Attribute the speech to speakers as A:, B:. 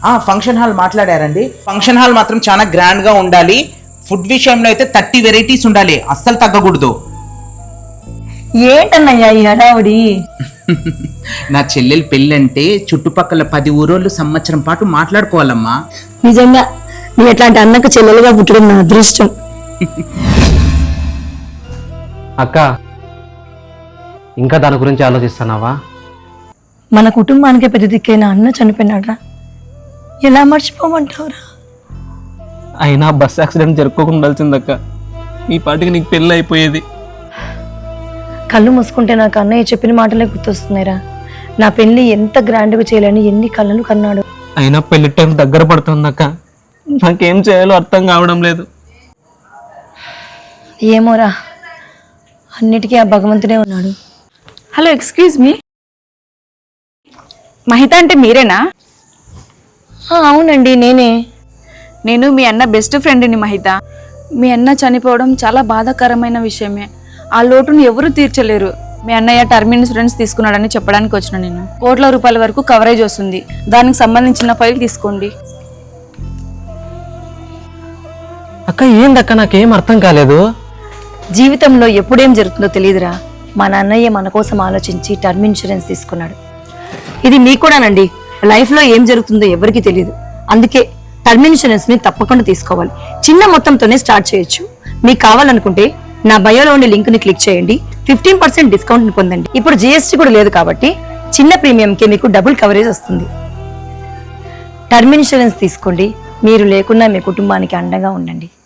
A: Function hall మాట్లాడారండి. Function hall మాత్రం చాలా గ్రాండ్ గా ఉండాలి. ఫుడ్ విషయంలో అయితే 30 వెరైటీస్ ఉండాలి, అస్సలు తగ్గకూడదు.
B: ఏంటన్నయ్యా ఈ హడావుడి?
A: నా చెల్లెలు పెళ్ళంటే చుట్టుపక్కల 10 ఊరోళ్ళు సంవత్సరం పాటు మాట్లాడుకోవాలమ్మా.
B: నిజంగా నీ ఎట్లాంటి అన్నకు చెల్లెలుగా పుట్టడం నా అదృష్టం.
C: అక్క, ఇంకా దాని గురించి ఆలోచిస్తున్నావా?
B: మన కుటుంబానికే పెద్ద దిక్కైన అన్న చనిపోయినాడ్రా, ఎలా మర్చిపోమంటావురా?
D: అయినా బస్ యాక్సిడెంట్ జరుపుకోకుండా ఉండాల్సిందక్క. ఈ పాటికి నీకు పెళ్ళి అయిపోయేది.
B: కళ్ళు మూసుకుంటే నాకు అన్నయ్య చెప్పిన మాటలే గుర్తొస్తున్నాయిరా. నా పెళ్లి ఎంత గ్రాండ్గా చేయాలని ఎన్ని కళ్ళలు కన్నాడు.
D: అయినా పెళ్లి టైం దగ్గర పడుతుందక్క. నాకేం చేయాలో అర్థం కావడం లేదు.
B: ఏమోరా, అన్నిటికీ ఆ భగవంతుడే ఉన్నాడు.
E: హలో, ఎక్స్క్యూజ్ మీ, మహిత అంటే మీరేనా?
B: అవునండి, నేనే.
E: నేను మీ అన్న బెస్ట్ ఫ్రెండ్ని మహిత. మీ అన్న చనిపోవడం చాలా బాధాకరమైన విషయమే. ఆ లోటును ఎవరూ తీర్చలేరు. మీ అన్నయ్య టర్మ్ ఇన్సూరెన్స్ తీసుకున్నాడని చెప్పడానికి వచ్చిన నేను. కోట్ల రూపాయల వరకు కవరేజ్ వస్తుంది. దానికి సంబంధించిన ఫైల్ తీసుకోండి.
C: అక్క, ఏందక్క, నాకేం అర్థం కాలేదు.
B: జీవితంలో ఎప్పుడేం జరుగుతుందో తెలియదురా. మా నాన్నయ్య మన కోసం ఆలోచించి టర్మ్ ఇన్సూరెన్స్ తీసుకున్నాడు. ఇది మీకు కూడానండి. లైఫ్లో ఏం జరుగుతుందో ఎవరికి తెలియదు. అందుకే టర్మ్ ఇన్సూరెన్స్ ని తప్పకుండా తీసుకోవాలి. చిన్న మొత్తంతోనే స్టార్ట్ చేయొచ్చు. మీకు కావాలనుకుంటే నా బయోలో ఉండే లింక్ ని క్లిక్ చేయండి. 15% డిస్కౌంట్ ని పొందండి. ఇప్పుడు GST కూడా లేదు కాబట్టి చిన్న ప్రీమియంకి మీకు డబుల్ కవరేజ్ వస్తుంది. టర్మ్ ఇన్సూరెన్స్ తీసుకోండి. మీరు లేకున్నా మీ కుటుంబానికి అండగా ఉండండి.